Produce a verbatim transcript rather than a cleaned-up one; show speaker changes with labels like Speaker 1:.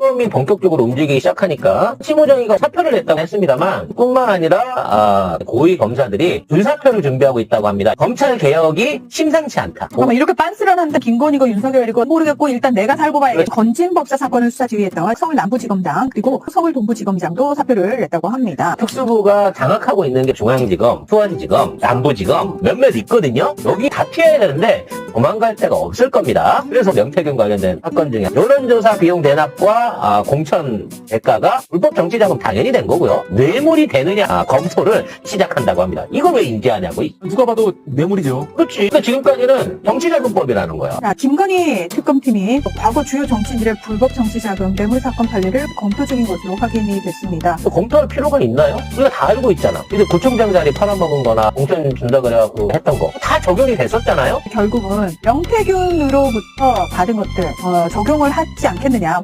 Speaker 1: 특검이 본격적으로 움직이기 시작하니까 심호정이가 사표를 냈다고 했습니다만 뿐만 아니라 아, 고위 검사들이 불사표를 준비하고 있다고 합니다. 검찰 개혁이 심상치 않다.
Speaker 2: 잠깐만, 이렇게 빤스런 한데 김건희고 윤석열이고 모르겠고 일단 내가 살고 봐야겠다. 건진법사 사건을 수사 지휘했던 서울 남부지검장 그리고 서울 동부지검장도 사표를 냈다고 합니다.
Speaker 1: 특수부가 장악하고 있는 게 중앙지검, 수원지검, 남부지검 몇몇 있거든요. 여기 다 피해야 되는데 도망갈 데가 없을 겁니다. 그래서 명태균 관련된 사건 중에 여론조사 비용 대납과 아, 공천 대가가 불법 정치자금 당연히 된 거고요. 뇌물이 되느냐 아, 검토를 시작한다고 합니다. 이걸 왜 인지하냐고.
Speaker 3: 누가 봐도 뇌물이죠.
Speaker 1: 그렇지. 그러니까 지금까지는 정치자금법이라는 거야.
Speaker 2: 자, 김건희 특검팀이 과거 주요 정치인들의 불법 정치자금 뇌물 사건 판례를 검토 중인 것으로 확인이 됐습니다.
Speaker 1: 또 검토할 필요가 있나요? 우리가 다 알고 있잖아. 근데 구청장 자리 팔아먹은 거나 공천 준다 그래갖고 했던 거 다 적용이 됐었잖아요.
Speaker 2: 결국은 명태균으로부터 받은 것들 어, 적용을 하지 않겠느냐.